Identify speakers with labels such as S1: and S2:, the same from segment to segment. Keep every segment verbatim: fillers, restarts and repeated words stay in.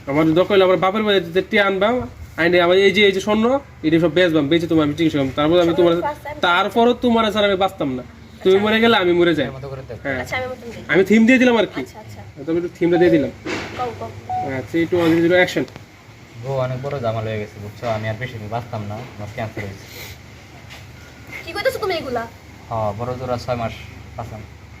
S1: আমার দরকার হলে আমার বাপের বাড়িতে টিয়া আনবা আইনে আমার এই যে এই যে স্বর্ণ এটা সব বেচবাম বেচে তোমার আমি চিকিৎসা করবো তারপর আমি তোমার তারপরও তোমার ছাড়া আমি বাঁচতাম না তুমি মরে গেলে আমি মরে যাই হ্যাঁ আমি থিম দিয়ে দিলাম আর কি তুমি একটু থিমটা দিয়ে দিলাম three two one zero action
S2: ও অনেক বড় জামাল হয়ে গেছে বুঝছো আমি আর বেশি দিন বাঁচতাম না আমার ক্যান্সার হয়েছে
S3: কি কইতাছো তুমি এগুলা
S2: হ্যাঁ বড় জোড়া ছয় মাস বাঁচাম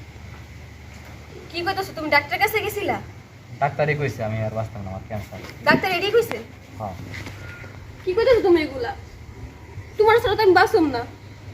S3: কি কইতাছো তুমি ডাক্তারের কাছে গেছিলা
S2: ডাক্তারই কইছে আমি আর বাঁচতাম না আমার ক্যান্সার
S3: ডাক্তার এডি কইছে
S2: হ্যাঁ
S3: কি কইতাছো তুমি এগুলা তোমার সাথে তো আমি বাসুম না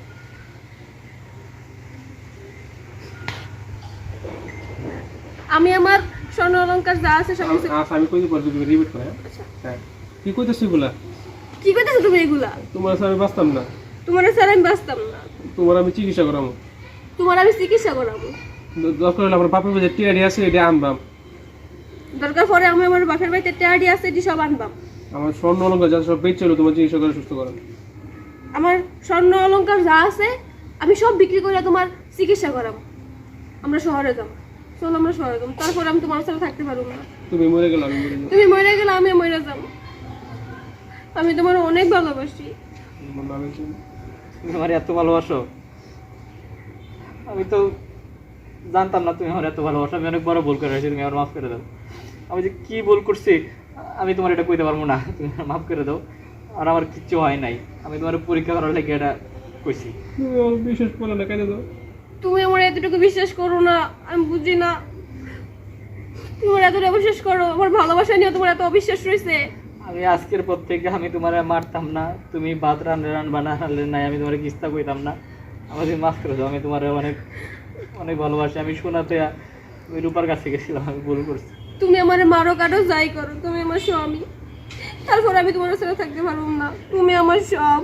S3: আমি আমার স্বর্ণ অলংকার যা আছে সব কিছু
S1: আচ্ছা আমি কই দিব তুমি রিপিট করে হ্যাঁ কি কইতাছ এগুলা
S3: কি কইতাছো তুমি এগুলা
S1: তোমার ছাড়া আমি বাঁচতাম না
S3: তোমার সাথে আমি বাসতাম না
S1: তোমার আমি চিকিৎসা করাবো
S3: তোমার আমি চিকিৎসা করাবো
S1: দরকার হলে আমার বাপের বাড়িতে টিয়া আছে এটা আনবাম
S3: দরকার পরে আমি আমার বাপের বাড়িতে টাড়ি আছে এটি সব আনবাম
S1: আমার স্বর্ণ অলঙ্কার যা সব বেচে হলো তোমার চিকিৎসা করে সুস্থ করো
S3: আমার স্বর্ণ অলংকার যা আছে আমি সব বিক্রি করে তোমার চিকিৎসা করাবো আমরা শহরে যাবো চলো আমরা শহরে যাবো তারপর আমি তোমার সাথে থাকতে পারবো না
S1: তুমি মরে গেলে আমি মরে যাবো
S3: তুমি মরে গেলে আমি মরে যাবো আমি তোমার অনেক ভালোবাসি
S1: আমার নামে কি?
S2: তুমি আমার এত ভালোবাসো আমি তো জানতাম না তুমি আমার এত ভালোবাসো আমি অনেক বড় ভুল করে রয়েছি তুমি আমার মাফ করে দাও আমি যে কি ভুল করছি আমি তোমার এটা কইতে পারবো না তুমি আমার মাফ করে দাও আর আমার কিচ্ছু হয় নাই আমি তোমার পরীক্ষা করার লেগে এটা কইছি
S1: তুমি আমার বিশেষ বলে না কেন দাও
S3: তুমি আমার এতটুকু বিশ্বাস করো না আমি বুঝি না তুমি আমার এতটা অবিশ্বাস করো আমার ভালোবাসা নিয়ে তোমার এত অবিশ্বাস রয়েছে
S2: আমি আজকের পর থেকে আমি তোমার মারতাম না তুমি ভাত রান রান বানালে নাই আমি তোমার কিস্তা কইতাম না আমাকে মাফ করে দাও আমি তোমার অনেক অনেক ভালোবাসি আমি শোনাতে আমি রূপার কাছে গেছিলাম আমি ভুল করছি
S3: তুমি আমার মারো কাটো যাই করো তুমি আমার স্বামী তারপর আমি তোমার সাথে থাকতে পারবো না তুমি আমার সব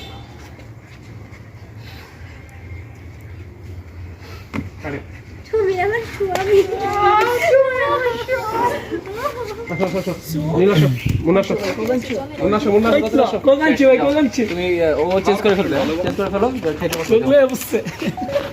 S1: আরে
S3: তুমি আমার স্বামী
S1: নীলাশো মুনাশো মুনাশো মুনাশো
S2: তুমি ও চেঞ্জ করে ফেলবে চেঞ্জ করে ফেলো খেতে বসো